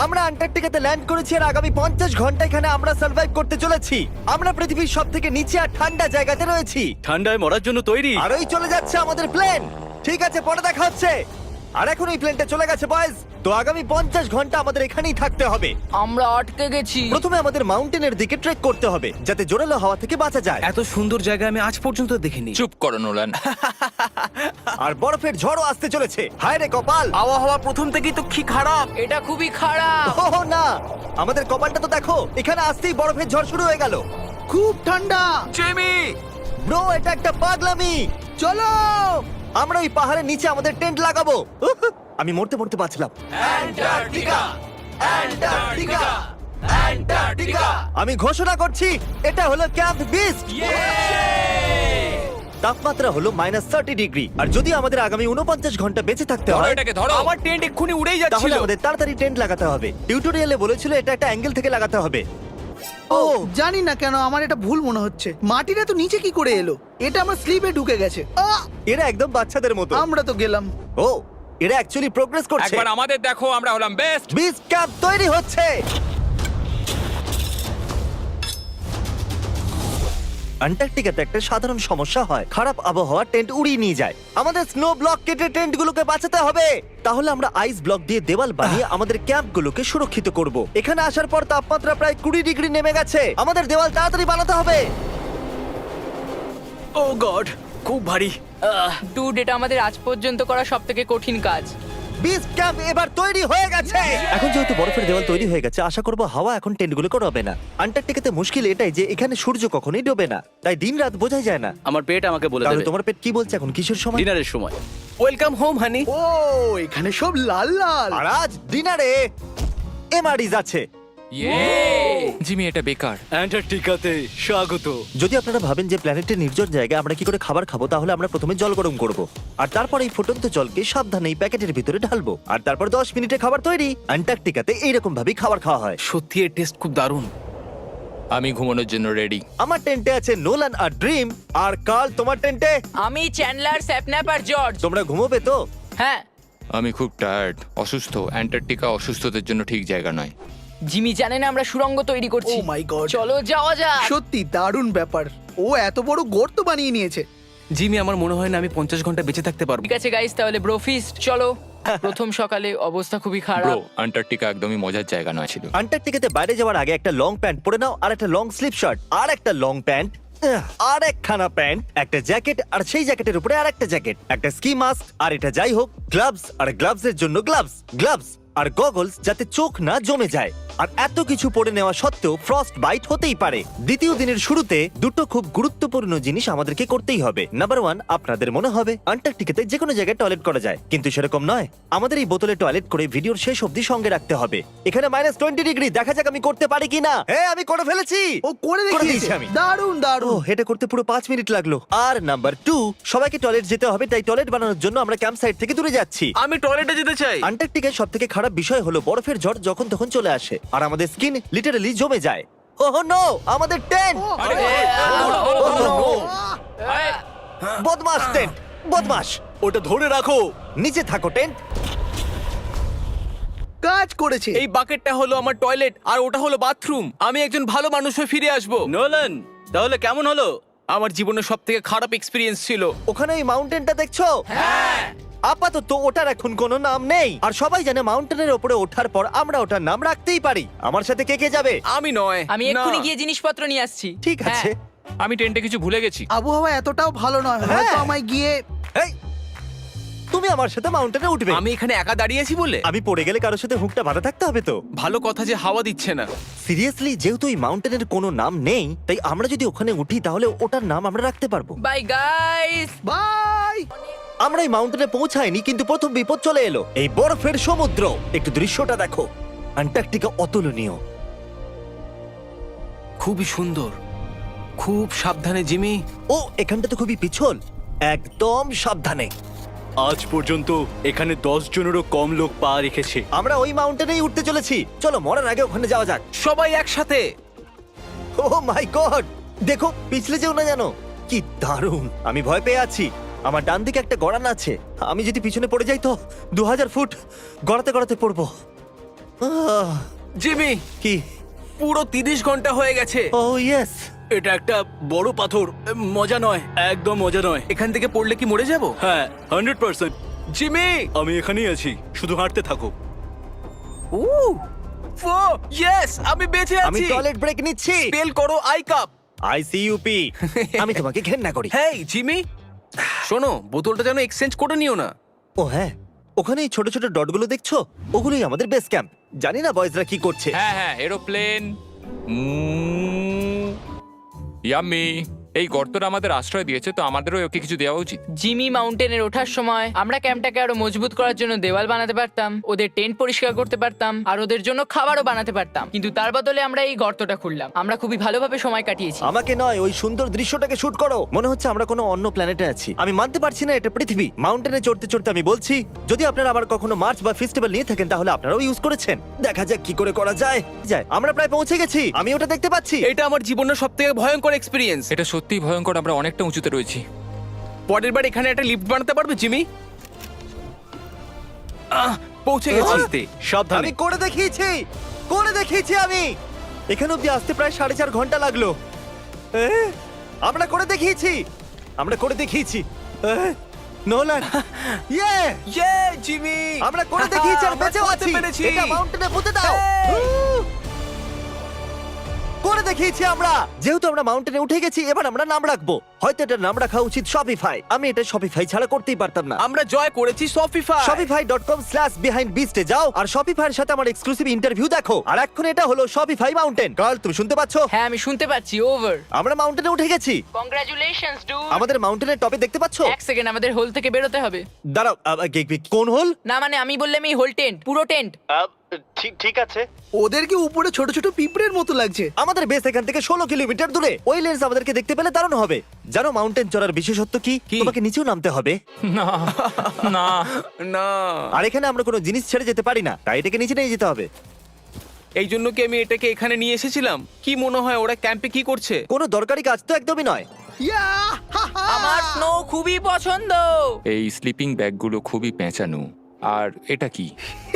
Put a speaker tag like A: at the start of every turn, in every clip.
A: আমরা অ্যান্টার্কটিকাতে ল্যান্ড করেছি আর আগামী 50 ঘন্টা এখানে আমরা সার্ভাইভ করতে চলেছি। আমরা পৃথিবীর সবথেকে নিচে আর ঠান্ডা জায়গাতে রয়েছি।
B: ঠান্ডায় মরার জন্য তৈরি।
A: আর ওই চলে যাচ্ছে আমাদের প্লেন। ঠিক আছে, পরে দেখা হচ্ছে। আর এখন এই প্লেনটা চলে গেছে বয়েজ। তো আগামী 50 ঘন্টা আমাদের এখানেই থাকতে হবে।
C: আমরা আটকে গেছি।
A: প্রথমে আমাদের মাউন্টেনের দিকে ট্রেক করতে হবে যাতে জোরালো হাওয়া থেকে বাঁচা যায়।
B: এত সুন্দর জায়গা আমি আজ পর্যন্ত দেখিনি।
D: চুপ করো নোলান।
A: আর বরফের ঝড়ও আসতে চলেছে। হায় রে কপাল!
B: আবহাওয়া প্রথম থেকেই তো কি খারাপ।
C: এটা খুবই খারাপ।
A: ওহ না, আমাদের কপালটা তো দেখো, এখানে আসতেই বরফের ঝড় শুরু হয়ে গেল।
E: খুব ঠান্ডা।
B: জেমি,
A: ব্রো, এটা একটা পাগলামি।
E: চলো।
A: আমরা ওই পাহাড়ের নিচে আমাদের টেন্ট লাগাবো। উহ, আমি মরতে মরতে বাঁচলাম। আমি ঘোষণা করছি, এটা হলো ক্যাম্প বিস্ট। তাপমাত্রা হলো -30 ডিগ্রি। আর যদি আমাদের আগামী 49 ঘন্টা বেঁচে থাকতে
D: ধরো
A: হয়,
D: এটাকে, ধরো।
B: আমার টেন্ট এক্ষুনি উড়েই
A: তাহলে
B: যাচ্ছিল।
A: আমাদের তাড়াতাড়ি টেন্ট লাগাতে হবে। টিউটোরিয়ালে বলেছিল এটা একটা অ্যাঙ্গেল থেকে লাগাতে হবে।
E: ও জানি না কেন আমার এটা ভুল মনে হচ্ছে। মাটিটা তো নিচে কি করে এলো? এটা আমার স্লিপে ঢুকে গেছে।
A: এরা একদম বাচ্চাদের মতো।
E: আমরা তো গেলাম।
A: ও, এরা অ্যাকচুয়ালি প্রোগ্রেস করছে।
D: একবার আমাদের দেখো, আমরা হলাম বেস্ট।
A: বিচ ক্যাম্প তৈরি হচ্ছে। অ্যান্টার্কটিকাতে একটা সাধারণ সমস্যা হয়, খারাপ আবহাওয়া টেন্ট উড়িয়ে নিয়ে যায়। আমাদের স্নো ব্লক কেটে টেন্টগুলোকে বাঁচাতে হবে। তাহলে আমরা আইস ব্লক দিয়ে দেওয়াল বানিয়ে আমাদের ক্যাম্পগুলোকে সুরক্ষিত করব। এখানে আসার পর তাপমাত্রা প্রায় 20 ডিগ্রি নেমে গেছে। আমাদের দেওয়াল তাড়াতাড়ি বানাতে হবে।
B: ও গড, খুব ভারী।
C: ডুড, এটা আমাদের আজ পর্যন্ত করা সবথেকে কঠিন কাজ।
A: বিচ ক্যাম্প এবার তৈরি হয়ে গেছে। এখন যেহেতু বরফের দেওয়াল তৈরি হয়ে গেছে, আশা করব হাওয়া এখন টেন্টগুলো করবে না। অ্যান্টার্কটিকাতে মুশকিল এটাই যে এখানে সূর্য কখনোই ডোবে না, তাই দিন রাত বোঝাই যায় না।
B: আমার পেট আমাকে বলে
A: তাহলে
B: দেবে
A: তোমার পেট কি বলছে এখন? কিসের সময়?
B: ডিনারের সময়। Welcome home honey.
E: ও এখানে সব লাল লাল।
A: আর আজ ডিনারে এমআরইজ আছে।
D: জিমি, এটা বেকার।
B: অ্যান্টার্কটিকাতে স্বাগত।
A: যদি আপনারা ভাবেন যে প্ল্যানেটের নির্জন জায়গায় আমরা কি করে খাবার খাবো, তাহলে আমরা প্রথমে জল গরম করব, আর তারপর এই ফুটন্ত জলকে সাবধানে এই প্যাকেটের ভিতরে ঢালবো, আর তারপর 10 মিনিটে খাবার তৈরি। অ্যান্টার্কটিকাতে এইরকম ভাবেই খাবার খাওয়া হয়।
B: সত্যি এর টেস্ট খুব দারুণ।
D: আমি ঘুমানোর জন্য রেডি।
A: আমার টেন্টে আছে নোলান আর ড্রিম। আর কাল, তোমার টেন্টে?
C: আমি চ্যান্ডলার, স্যাপন্যাপ আর জর্জ।
A: তোমরা ঘুমোবে তো?
C: হ্যাঁ।
D: আমি খুব টায়ার্ড, অসুস্থ। অ্যান্টার্কটিকা অসুস্থদের জন্য ঠিক জায়গা নয়।
C: জিমি জানে না আমরা সুড়ঙ্গ তৈরি করছি।
E: Oh my God!
C: চলো যাওয়া যাক।
E: সত্যি দারুণ ব্যাপার। ও এত বড় গর্ত বানিয়ে নিয়েছে।
B: জিমি, আমার মনে হয় না আমি 50 ঘন্টা বেঁচে থাকতে পারবো।
C: ঠিক আছে গাইস, তাহলে ব্রোফিস্ট চলো। প্রথম সকালে অবস্থা খুবই
D: ব্রো,
C: খারাপ।
D: অ্যান্টার্কটিকা একদমই মজার জায়গা নয় ছিল।
A: অ্যান্টার্কটিকাতে বাইরে যাওয়ার আগে একটা লং প্যান্ট পরে নাও, আর একটা লং স্লিপ শার্ট, আর একটা লং প্যান্ট, আর একখানা প্যান্ট, একটা জ্যাকেট, আর সেই জ্যাকেটের উপরে আর একটা জ্যাকেট, একটা স্কি মাস্ক, আর এটা যাই হোক গ্লাভস, আর গ্লাভস এর জন্য গ্লাভস আর গগলস যাতে চোখ না জমে যায়। আর এত কিছু পরে নেওয়া সত্ত্বেও ফ্রস্ট বাইট হতেই পারে। দ্বিতীয় দিনের শুরুতে দুটো খুব গুরুত্বপূর্ণ জিনিস আমাদেরকে করতেই হবে। নাম্বার 1, আপনাদের মনে হবে অ্যান্টার্কটিকাতে যে কোনো জায়গায় টয়লেট করা যায়, কিন্তু সেরকম নয়। আমাদের এই বোতলে টয়লেট করে ভিডিওর শেষ অবধি সঙ্গে রাখতে হবে। এখানে -20 ডিগ্রি, দেখা যাক আমি করতে পারি কিনা। হ্যাঁ, আমি করে ফেলেছি।
E: ও করে
A: দিয়েছি
E: দেখিয়েছে।
A: আমি।
E: দারুণ
A: ও,
E: দারুণ।
A: এটা করতে পুরো 5 মিনিট লাগলো। আর নাম্বার 2, সবাইকে টয়লেট যেতে হবে, তাই টয়লেট বানানোর জন্য আমরা ক্যাম্প সাইট থেকে দূরে যাচ্ছি।
B: আমি টয়লেটে যেতে চাই।
A: অ্যান্টার্কটিকার সবথেকে খারাপ বিষয় হলো বরফের ঝড় যখন তখন চলে আসে, আর আমাদের স্কিন লিটারালি জমে যায়। ওহ নো, আমাদের টেন্ট! বদমাস টেন্ট, বদমাস!
B: ওটা ধরে রাখো।
A: নিচে থাকো টেন্ট।
E: কাজ করেছে।
B: এই বাকেটটা হলো আমার টয়লেট আর ওটা হলো বাথরুম। আমি একজন ভালো মানুষ হয়ে ফিরে আসবো। নোলান, তাহলে কেমন হলো? আমার জীবনের সবথেকে খারাপ এক্সপেরিয়েন্স ছিল।
A: ওখানে এই মাউন্টেনটা দেখছো? আপাতত ওটার এখন কোনো নাম নেই, আর সবাই জানে মাউন্টেনের ওপরে ওঠার পর আমরা ওটার নাম রাখতেই পারি। আমার সাথে কে কে যাবে?
B: আমি নয়।
C: আমি
B: না।
C: এক্ষুনি গিয়ে জিনিসপত্র নিয়ে আসছি।
A: ঠিক আছে।
D: আমি টেন্টে কিছু ভুলে গেছি।
E: আবহাওয়া এতটাও ভালো নয়, হয়তো আমায় গিয়ে।
A: এই, তুমি আমার সাথে মাউন্টেনে উঠবে?
B: আমি এখানে একা দাঁড়িয়েছি বলে?
A: আমি পড়ে গেলে কারোর সাথে হুকটা বাঁধা থাকতে হবে তো।
B: ভালো কথা যে হাওয়া দিচ্ছে না।
A: সিরিয়াসলি, যেহেতু এই মাউন্টেনের কোনো নাম নেই, তাই আমরা যদি ওখানে উঠি তাহলে ওটার নাম আমরা রাখতে পারবো।
C: Bye guys.
E: বাই।
A: আমরা এই মাউন্টেনে পৌঁছাইনি, কিন্তু প্রথম বিপদ চলে এলো, এই বরফের সমুদ্র। একটু দৃশ্যটা দেখো, অ্যান্টার্কটিকা অতুলনীয়।
B: খুবই সুন্দর। খুব সাবধানে জিমি।
A: ও, এখানটা তো খুবই পিছল, একদম সাবধানে।
B: আজ পর্যন্ত এখানে 10 জনেরও কম লোক পা রেখেছে।
A: আমরা ওই মাউন্টেনেই উঠতে চলেছি। চলো মরার আগে ওখানে যাওয়া যাক।
B: সবাই একসাথে।
A: ও মাই গড, দেখো পিছলে যেও না জানো। কি দারুণ! আমি ভয় পেয়ে আছি। আমার ডান দিকে একটা গড়ান আছে, আমি যদি পিছনে পড়ে যাই তো 2000 ফুট গড়াতে গড়াতে পড়বো।
B: জিমি,
A: কি?
B: পুরো 30 ঘন্টা হয়ে গেছে।
A: Oh yes.
B: এটা একটা বড় পাথর, মজা নয়, একদম মজা নয়। এখান থেকে পড়লে কি মরে যাব? হ্যাঁ, 100%। জিমি, আমি এখানেই আছি, শুধু হাঁটতে থাকো। ইয়েস, আমি বেঁচে
A: আমি
B: আছি।
A: টয়লেট ব্রেক নিচ্ছি।
B: স্পেল করো আই কাপ।
A: আইসিইউপি। আমি তোমাকে ঘেন্না করি।
B: হেই জিমি, শোনো, বোতলটা যেন এক্সচেঞ্জ করে নিও না।
A: ও হ্যাঁ, ওখানে এই ছোট ছোট ডটগুলো দেখছো, ওগুলোই আমাদের বেস ক্যাম্প। জানি না বয়েজরা কি করছে।
D: হ্যাঁ হ্যাঁ, এরোপ্লেন। ইয়াম্মি। এই গর্তটা আমাদের আশ্রয় দিয়েছে, তো আমাদেরও ওকে কিছু দেওয়া উচিত।
C: জিমি মাউন্টেনের ওঠার সময় আমরা ক্যাম্পটাকে আরো মজবুত করার জন্য দেওয়াল বানাতে পারতাম, ওদের টেন্ট পরিষ্কার করতে পারতাম, আর ওদের জন্য খাবারও বানাতে পারতাম, কিন্তু তার বদলে আমরা এই গর্তটা খুললাম। আমরা খুবই ভালোভাবে সময় কাটিয়েছি।
A: আমাকে নয়, ওই সুন্দর দৃশ্যটাকে শুট করো। মনে হচ্ছে আমরা কোনো অন্য প্ল্যানেটে আছি। আমি মানতে পারছি না এটা পৃথিবী। মাউন্টেনে চড়তে চড়তে আমি বলছি, যদি আপনারা আবার কখনো মার্চ বা ফেস্টিভ্যাল নিয়ে থাকেন তাহলে আপনারাও ইউজ করেছেন। দেখা যাক কি করে করা যায়। আমরা প্রায় পৌঁছে গেছি, আমি ওটা দেখতে পাচ্ছি।
B: এটা আমার জীবনের সবথেকে ভয়ঙ্কর এক্সপেরিয়েন্স।
D: এটা সত্যিই ভয়ঙ্কর, আমরা অনেকটা উঁচুতে রয়েছি।
B: পরের বার এখানে একটা লিফট বানাতে পারবে জিমি? পৌঁছে গেছি। সাবধানে।
A: আমি করে দেখিয়েছি আমি। এখানে অব্দি আসতে প্রায় 4.5 ঘন্টা লাগলো। আমরা করে দেখিয়েছি। নোলান, ইয়ে!
B: ইয়ে জিমি,
A: আমরা করে দেখিয়েছি আর বেঁচেও
B: করতে
A: আছি।
B: পেরেছি।
A: এটা মাউন্টেনে পুঁতে দাও। করে দেখিয়েছি আমরা। যেহেতু আমরা মাউন্টেনে উঠে গেছি, এবার আমরা নাম রাখবো। হয়তো এটার নাম রাখা উচিত শপিফাই। আমি এটা শপিফাই ছাড়া করতেই পারতাম না।
B: আমরা জয় করেছি শপিফাই।
A: shopify.com/behindbeast এ যাও আর শপিফাইয়ের সাথে আমার এক্সক্লুসিভ ইন্টারভিউ দেখো। আর এখন এটা হলো শপিফাই মাউন্টেন। কার্ল, তুমি শুনতে পাচ্ছো?
C: হ্যাঁ, আমি শুনতে পাচ্ছি। ওভার।
A: আমরা মাউন্টেনে উঠে গেছি।
C: Congratulations dude.
A: আমাদের মাউন্টেনের টপে দেখতে পাচ্ছো?
C: এক সেকেন্ড, আমাদের হোল থেকে বেরোতে হবে।
A: দাঁড়াও, কোন হোল?
C: না মানে আমি বললাম এই হোল টেন্ট, পুরো টেন্ট।
A: ঠিক আছে।
E: ওদেরকে উপরে ছোট ছোট পিঁপড়ের মতো লাগছে।
A: আমাদের বেস এখান থেকে 16 কিলোমিটার দূরে। ওই লেন্স আমাদেরকে দেখতে পেলে দারুণ হবে। জানো মাউন্টেন চড়ার বিশেষত্ব কি? তোমাকে নিচেও নামতে হবে।
D: না না
B: না,
A: আর এখানে আমরা কোনো জিনিস ছেড়ে যেতে পারি না, তাই এটাকে নিচে নিয়ে যেতে হবে।
B: এই জন্য কি আমি এটাকে এখানে নিয়ে এসেছিলাম? কি মনে হয় ওরা ক্যাম্পে কি করছে?
A: কোনো দরকারি কাজ তো একদমই নয়।
E: ইয়া! হা, হা!
C: আমার স্নো খুবই পছন্দ।
D: এই স্লিপিং ব্যাগগুলো খুবই পেঁচানো। আর এটা কি?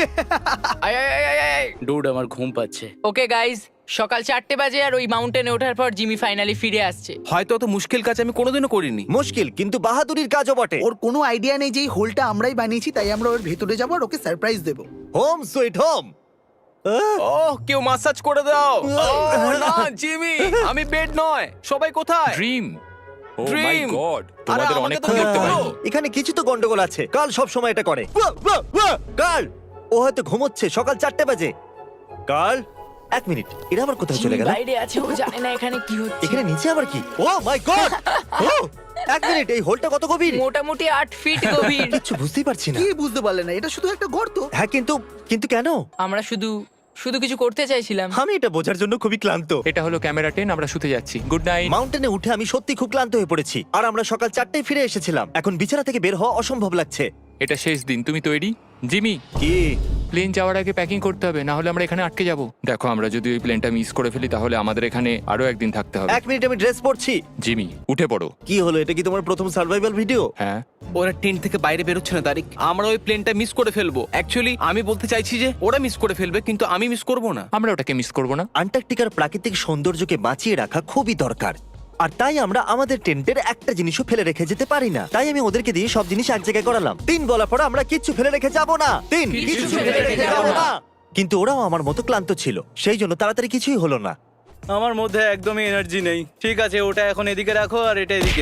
B: ডুড, আমার ঘুম পাচ্ছে।
C: ওকে গাইজ, সকাল 4টে বাজে আর ওই মাউন্টেনে ওঠার পর জিমি ফাইনালি ফিরে আসছে।
B: হয়তো অত মুশকিল কাজ আমি কোনোদিনও করিনি।
A: মুশকিল কিন্তু বাহাদুরির কাজও বটে।
E: ওর কোনো আইডিয়া নেই যে এই হোলটা আমরাই বানিয়েছি, তাই আমরা ওর ভেতরে যাবো আর ওকে সারপ্রাইজ দেবো।
A: Home sweet home.
B: ওহ, কেউ মাসাজ করে দাও। ওহ, না জিমি, আমি বেড নয়। সবাই কোথায়?
D: Dream. Oh my
B: Dream!
D: God,
B: আরে,
D: তোমাদের
B: আমাকে
D: অনেকক্ষণ
B: তো
D: দেখতে
B: বলো।
D: পাইনি।
A: এখানে কিছু তো গন্ডগোল আছে। কাল সব সময় এটা করে। কাল, ও হয়তো ঘুমোচ্ছে। সকাল 4টে বাজে। কাল, 1 মিনিট, এরা আবার কোথায় চলে
C: জিমি
A: গেল?
C: বাইরে আছে, ও জানে না এখানে কি হচ্ছে।
A: এখানে নিচে আবার কি? ও মাই গড! 1 মিনিট, এই হোলটা কত গভীর?
C: মোটামুটি 8 ফিট গভীর।
A: কিছু বুঝতেই পারছি না।
E: কি বুঝতে পারলে না? এটা শুধু একটা গর্ত।
A: হ্যাঁ, কিন্তু কেন?
C: আমরা শুধু কিছু করতে চাইছিলাম।
A: আমি এটা বোঝার জন্য খুবই ক্লান্ত।
D: এটা হলো ক্যামেরা 10, আমরা শুতে যাচ্ছি। Good night.
A: মাউন্টেনে উঠে আমি সত্যি খুব ক্লান্ত হয়ে পড়েছি। আর আমরা সকাল 4টায় ফিরে এসেছিলাম। এখন বিছানা থেকে বের হওয়া অসম্ভব লাগছে।
D: এটা শেষ দিন, তুমি তৈরি? জিমি,
A: কি?
D: প্লেন যাওয়ার আগে প্যাকিং করতে হবে, না হলে আমরা এখানে আটকে যাব। দেখো, আমরা যদি ওই প্লেনটা মিস করে ফেলি তাহলে আমাদের এখানে আরো একদিন থাকতে হবে।
A: 1 মিনিট, আমি ড্রেস পরছি।
D: জিমি, উঠে পড়ো।
A: কি হলো? এটা কি তোমার প্রথম সার্ভাইভাল ভিডিও?
D: হ্যাঁ।
B: ওরা টেন্ট থেকে বাইরে বেরোচ্ছে না তারিক। আমরা ওই প্লেনটা মিস করে ফেলবো। অ্যাকচুয়ালি আমি বলতে চাইছি যে ওরা মিস করে ফেলবে, কিন্তু আমি মিস করব না।
D: আমরা ওটাকে মিস করব না।
A: আন্টার্কটিকার প্রাকৃতিক সৌন্দর্যকে বাঁচিয়ে রাখা খুবই দরকার। আর তাই আমরা আমাদের টেন্টের একটা জিনিসও ফেলে রেখে যেতে পারি না। তাই আমি ওদেরকে দিয়ে সব জিনিস এক জায়গায় করালাম। 3 বলার পর আমরা কিচ্ছু ফেলে রেখে যাব না। 3 কিছু ফেলে রেখে যাব না। কিন্তু ওরাও আমার মতো ক্লান্ত ছিল, সেই জন্য তাড়াতাড়ি কিছুই হলো না।
F: আমার মধ্যে একদমই এনার্জি নেই। ঠিক আছে, ওটা এখন এদিকে রাখো আর এটা এদিকে।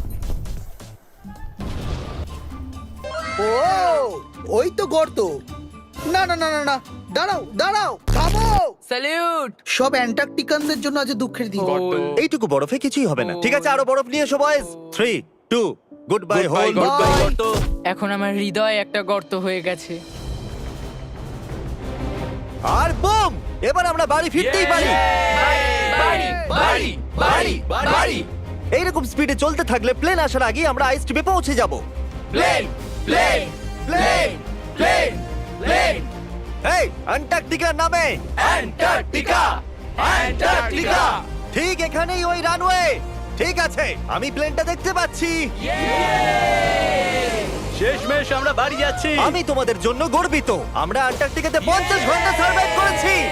E: ও, ওই তো গর্ত। না না না না না, দাঁড়াও দাঁড়াও, থামো।
C: স্যালিউট।
E: সব অ্যান্টার্কটিকানদের জন্য আজ দুঃখের দিন।
A: এইটুকু বরফে কিছুই হবে না। ঠিক আছে, আরো বরফ নিয়ে এসো বয়েজ। 3, 2, good bye whole.
C: এখন আমার হৃদয় একটা গর্ত হয়ে গেছে।
A: আর বুম! এবার আমরা বাড়ি ফিরতেই পারি। এইরকম স্পিডে চলতে থাকলে প্লেন আসার আগে আমরা আইস টিপে পৌঁছে যাব। এই অ্যান্টার্কটিকার নামে। অ্যান্টার্কটিকা ঠিক এখানেই, ওই রানওয়ে। ঠিক আছে, আমি প্লেনটা দেখতে পাচ্ছি।
F: শেষমেশ আমরা বাড়ি যাচ্ছি।
A: আমি তোমাদের জন্য গর্বিত। আমরা আন্টার্কটিকাতে 50 ঘন্টা সার্ভাইভ করেছি।